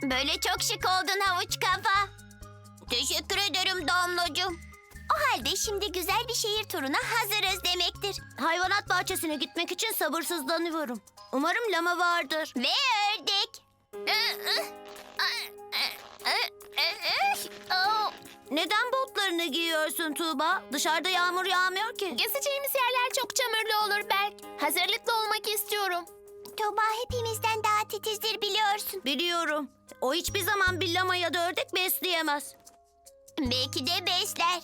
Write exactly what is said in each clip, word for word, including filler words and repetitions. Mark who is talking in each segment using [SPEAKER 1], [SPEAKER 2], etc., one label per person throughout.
[SPEAKER 1] Böyle çok şık oldun havuç kafa. Teşekkür ederim Damlacığım. O halde şimdi güzel bir şehir turuna hazırız demektir.
[SPEAKER 2] Hayvanat bahçesine gitmek için sabırsızlanıyorum. Umarım lama vardır.
[SPEAKER 1] Ve ördek.
[SPEAKER 2] Neden botlarını giyiyorsun Tuğba? Dışarıda yağmur yağmıyor ki.
[SPEAKER 1] Gezeceğimiz yerler çok çamurlu olur Berk. Hazırlıklı olmak istiyorum. Tuğba hepimizden daha titizdir biliyorsun.
[SPEAKER 2] Biliyorum. O hiçbir zaman bir lama ya da ördek besleyemez.
[SPEAKER 1] Belki de besler.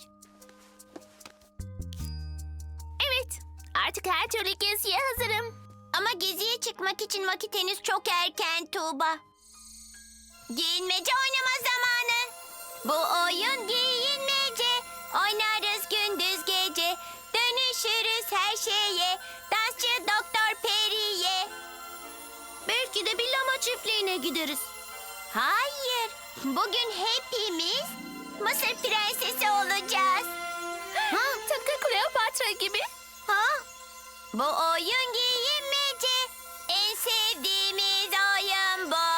[SPEAKER 1] Evet, artık her türlü geziye hazırım. Ama geziye çıkmak için vakit henüz çok erken Tuğba. Giyinmece oynama zamanı. Bu oyun giyinmece. Oynarız gündüz gece. Dönüşürüz her şeye. Dansçı Doktor Peri'ye.
[SPEAKER 2] Belki de bir lama çiftliğine gideriz.
[SPEAKER 1] Hayır, bugün hepimiz Mısır prensesi olacağız. Ha, tıpkı Kleopatra gibi. Ha? Bu oyun giyinmece. En sevdiğimiz oyun bu.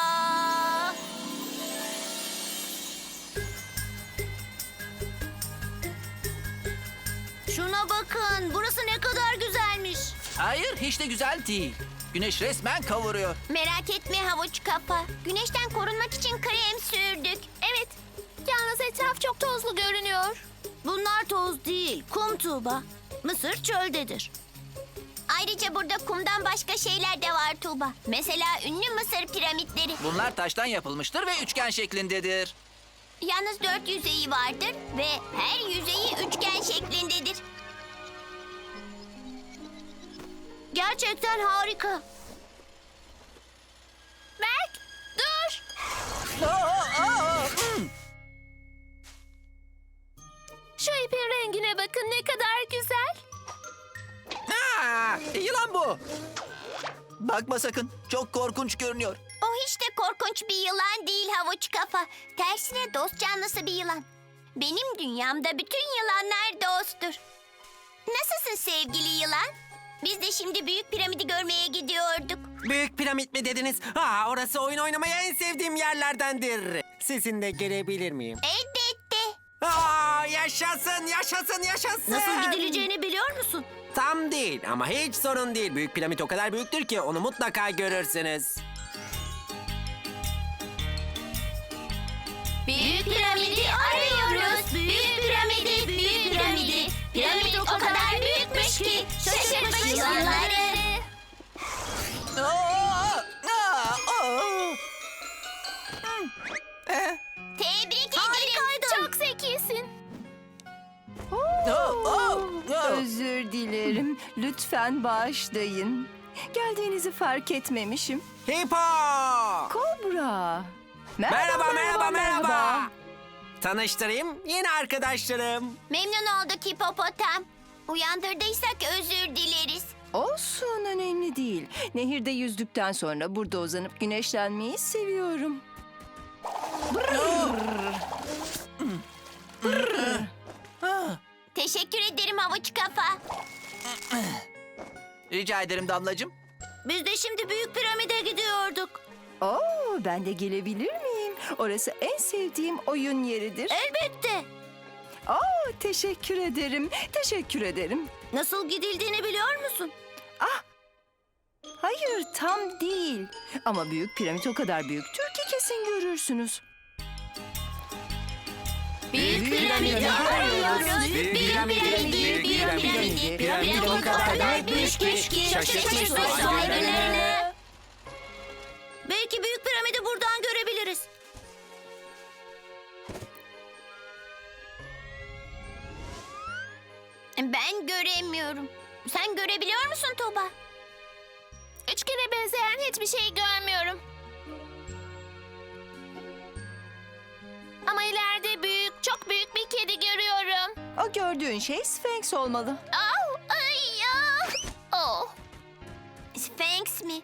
[SPEAKER 2] Şuna bakın. Burası ne kadar güzelmiş.
[SPEAKER 3] Hayır, hiç de güzel değil. Güneş resmen kavuruyor.
[SPEAKER 1] Merak etme havuç kafa. Güneşten korunmak için krem sürdük. Evet, yalnız etraf çok tozlu görünüyor.
[SPEAKER 2] Bunlar toz değil, kum Tuğba. Mısır çöldedir.
[SPEAKER 1] Ayrıca burada kumdan başka şeyler de var Tuğba. Mesela ünlü Mısır piramitleri.
[SPEAKER 3] Bunlar taştan yapılmıştır ve üçgen şeklindedir.
[SPEAKER 1] Yalnız dört yüzeyi vardır ve her yüzeyi üçgen şeklindedir.
[SPEAKER 2] Gerçekten harika.
[SPEAKER 1] Berk, dur.
[SPEAKER 3] Aa, aa, hmm.
[SPEAKER 1] Şu ipin rengine bakın ne kadar güzel.
[SPEAKER 3] Aa, yılan bu. Bakma sakın, çok korkunç görünüyor.
[SPEAKER 1] O hiç de korkunç bir yılan değil havuç kafa. Tersine dost canlısı bir yılan. Benim dünyamda bütün yılanlar dosttur. Nasılsın sevgili yılan? Biz de şimdi büyük piramidi görmeye gidiyorduk.
[SPEAKER 4] Büyük piramit mi dediniz? Aa, orası oyun oynamaya en sevdiğim yerlerdendir. Sizin de gelebilir miyim?
[SPEAKER 1] Elbette.
[SPEAKER 4] Aa, yaşasın, yaşasın, yaşasın.
[SPEAKER 2] Nasıl gidileceğini biliyor musun?
[SPEAKER 4] Tam değil ama hiç sorun değil. Büyük piramit o kadar büyüktür ki onu mutlaka görürsünüz.
[SPEAKER 1] Büyük piramidi arıyoruz. Büyük piramidi, büyük piramidi. Piramit o kadar büyükmüş ki şaşırtmış yılanları.
[SPEAKER 3] Aa, aa, aa. Eh,
[SPEAKER 1] Tebrik ederim. Çok zekisin.
[SPEAKER 3] aa, aa, aa.
[SPEAKER 5] Özür dilerim. Lütfen bağışlayın. Geldiğinizi fark etmemişim.
[SPEAKER 4] Hipo!
[SPEAKER 5] Kobra.
[SPEAKER 4] Merhaba, merhaba, merhaba. Tanıştırayım, yeni arkadaşlarım.
[SPEAKER 1] Memnun olduk hipopotam. Uyandırdıysak özür dileriz.
[SPEAKER 5] Olsun, önemli değil. Nehirde yüzdükten sonra burada uzanıp güneşlenmeyi seviyorum.
[SPEAKER 1] Teşekkür ederim havuç kafa.
[SPEAKER 3] Rica ederim Damlacığım.
[SPEAKER 2] Biz de şimdi büyük piramide gidiyorduk.
[SPEAKER 5] Oo, ben de gelebilir miyim? Orası en sevdiğim oyun yeridir.
[SPEAKER 2] Elbette.
[SPEAKER 5] Oo, teşekkür ederim. Teşekkür ederim.
[SPEAKER 2] Nasıl gidildiğini biliyor musun?
[SPEAKER 5] Hayır, tam değil. Ama büyük piramit o kadar büyüktür ki kesin görürsünüz.
[SPEAKER 1] Büyük piramidi arıyoruz. Büyük piramidi, büyük piramidi. Piramit o kadar büyükmüş ki şaşırtmış uzaylıları.
[SPEAKER 2] Belki büyük piramidi buradan görebiliriz.
[SPEAKER 1] Ben göremiyorum. Sen görebiliyor musun Tuğba? Üçgene benzeyen hiçbir şey görmüyorum. Ama ileride büyük, çok büyük bir kedi görüyorum.
[SPEAKER 5] O gördüğün şey Sphinx olmalı.
[SPEAKER 1] Au, ay ya. Oh. Sphinx mi?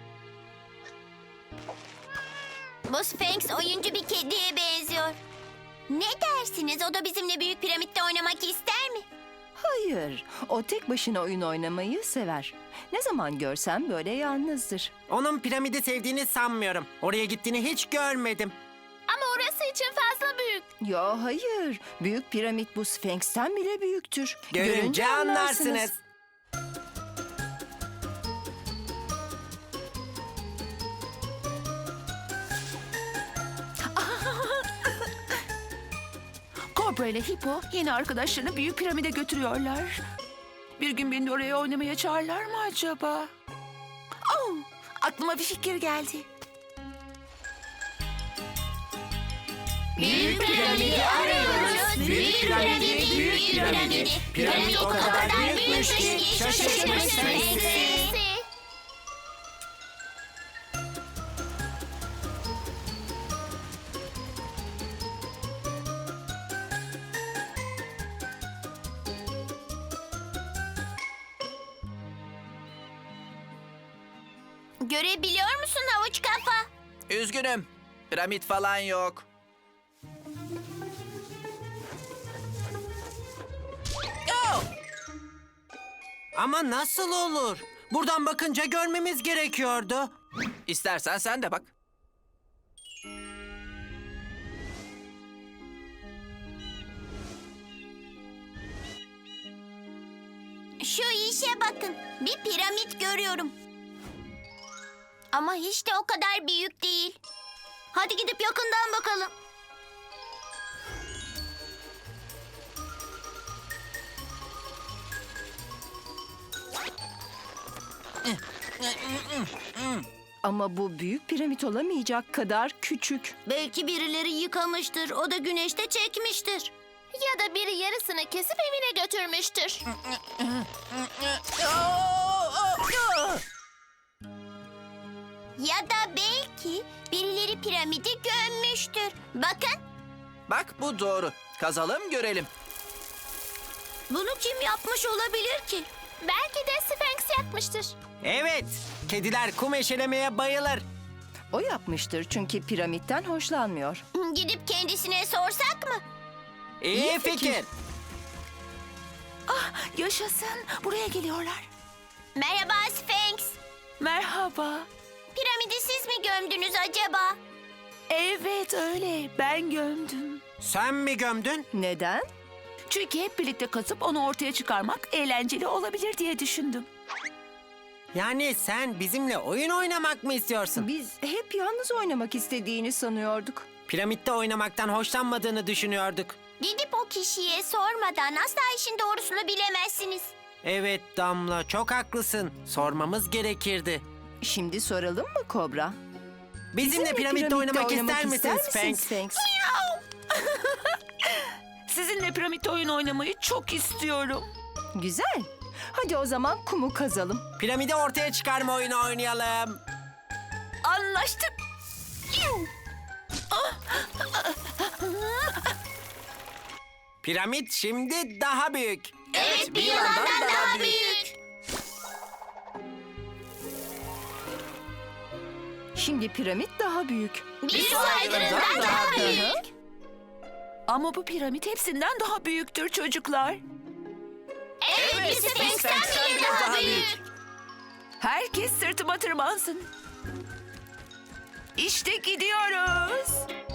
[SPEAKER 1] Bu Sphinx oyuncu bir kediye benziyor. Ne dersiniz? O da bizimle büyük piramitte oynamak ister mi?
[SPEAKER 5] Hayır, o tek başına oyun oynamayı sever. Ne zaman görsem böyle yalnızdır.
[SPEAKER 4] Onun piramidi sevdiğini sanmıyorum. Oraya gittiğini hiç görmedim.
[SPEAKER 1] Ama orası için fazla büyük.
[SPEAKER 5] Ya hayır, büyük piramit bu Sphinx'ten bile büyüktür.
[SPEAKER 4] Görünce anlarsınız.
[SPEAKER 6] Kobra ile Hippo yeni arkadaşlarını büyük piramide götürüyorlar. Bir gün beni de oraya oynamaya çağırırlar mı acaba? Oh, aklıma bir fikir geldi.
[SPEAKER 1] Büyük piramidi arıyoruz. Büyük piramidi, büyük piramidi. Piramit o kadar büyükmüş ki şaşırmışsın hepsi. Görebiliyor musun havuç kafa?
[SPEAKER 3] Üzgünüm. Piramit falan yok. Oh!
[SPEAKER 4] Ama nasıl olur? Buradan bakınca görmemiz gerekiyordu.
[SPEAKER 3] İstersen sen de bak.
[SPEAKER 1] Şu işe bakın. Bir piramit görüyorum. Ama hiç de o kadar büyük değil.
[SPEAKER 2] Hadi gidip yakından bakalım.
[SPEAKER 5] Ama bu büyük piramit olamayacak kadar küçük.
[SPEAKER 2] Belki birileri yıkamıştır. O da güneşte çekmiştir.
[SPEAKER 1] Ya da biri yarısını kesip evine götürmüştür. Ya da belki birileri piramidi gömmüştür. Bakın.
[SPEAKER 3] Bak bu doğru. Kazalım görelim.
[SPEAKER 2] Bunu kim yapmış olabilir ki?
[SPEAKER 1] Belki de Sphinx yapmıştır.
[SPEAKER 4] Evet, kediler kum eşelemeye bayılır.
[SPEAKER 5] O yapmıştır çünkü piramitten hoşlanmıyor.
[SPEAKER 1] Gidip kendisine sorsak mı?
[SPEAKER 4] İyi,
[SPEAKER 5] İyi
[SPEAKER 4] fikir.
[SPEAKER 5] fikir.
[SPEAKER 6] Yaşasın, buraya geliyorlar.
[SPEAKER 1] Merhaba Sphinx.
[SPEAKER 6] Merhaba.
[SPEAKER 1] Piramidi siz mi gömdünüz acaba?
[SPEAKER 6] Evet öyle, ben gömdüm.
[SPEAKER 4] Sen mi gömdün?
[SPEAKER 5] Neden?
[SPEAKER 6] Çünkü hep birlikte kazıp onu ortaya çıkarmak eğlenceli olabilir diye düşündüm.
[SPEAKER 4] Yani sen bizimle oyun oynamak mı istiyorsun?
[SPEAKER 5] Biz hep yalnız oynamak istediğini sanıyorduk.
[SPEAKER 4] Piramitte oynamaktan hoşlanmadığını düşünüyorduk.
[SPEAKER 1] Gidip o kişiye sormadan asla işin doğrusunu bilemezsiniz.
[SPEAKER 4] Evet Damla, çok haklısın. Sormamız gerekirdi.
[SPEAKER 5] Şimdi soralım mı Kobra?
[SPEAKER 4] Bizimle, piramitte, oynamak, ister misin Sphinx?
[SPEAKER 5] Sphinx?
[SPEAKER 6] Sizinle piramitte oyun oynamayı çok istiyorum.
[SPEAKER 5] Güzel. Hadi o zaman kumu kazalım.
[SPEAKER 4] Piramidi ortaya çıkarma oyunu oynayalım.
[SPEAKER 6] Anlaştık.
[SPEAKER 4] Piramit şimdi daha büyük.
[SPEAKER 1] Evet, bir yılandan daha büyük.
[SPEAKER 5] Şimdi piramit daha büyük.
[SPEAKER 1] Bir su aygırından daha büyük.
[SPEAKER 6] Ama bu piramit hepsinden daha büyüktür çocuklar.
[SPEAKER 1] Evet, bir Sphinx'ten bile daha büyük.
[SPEAKER 6] Herkes sırtıma tırmansın. İşte gidiyoruz.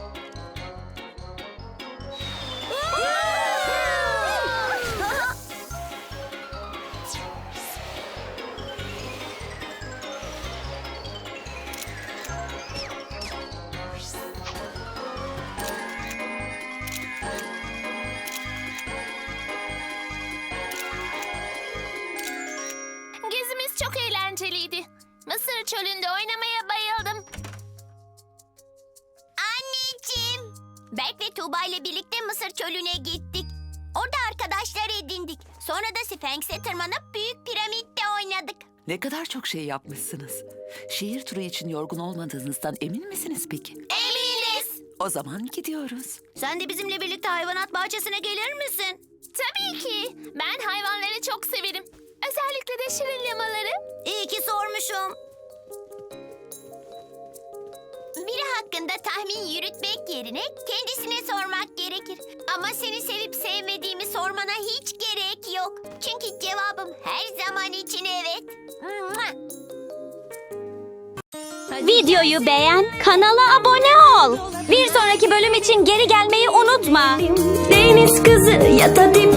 [SPEAKER 1] Gezimiz çok eğlenceliydi. Mısır çölünde oynamaya bayıldım. Anneciğim. Berk ve Tuğba ile birlikte Mısır çölüne gittik. Orada arkadaşlar edindik. Sonra da Sphinx'e tırmanıp büyük piramitte oynadık.
[SPEAKER 6] Ne kadar çok şey yapmışsınız. Şehir turu için yorgun olmadığınızdan emin misiniz peki?
[SPEAKER 1] Eminiz.
[SPEAKER 6] O zaman gidiyoruz.
[SPEAKER 2] Sen de bizimle birlikte hayvanat bahçesine gelir misin?
[SPEAKER 1] Tabii ki. Ben hayvanları çok severim. Özellikle de şirin lamaları.
[SPEAKER 2] İyi ki sormuşum.
[SPEAKER 1] Biri hakkında tahmin yürütmek yerine kendisine sormak gerekir. Ama seni sevip sevmediğimi sormana hiç gerek yok. Çünkü cevabım her zaman için evet.
[SPEAKER 7] Videoyu beğen, kanala abone ol. Bir sonraki bölüm için geri gelmeyi unutma. Deniz kızı ya da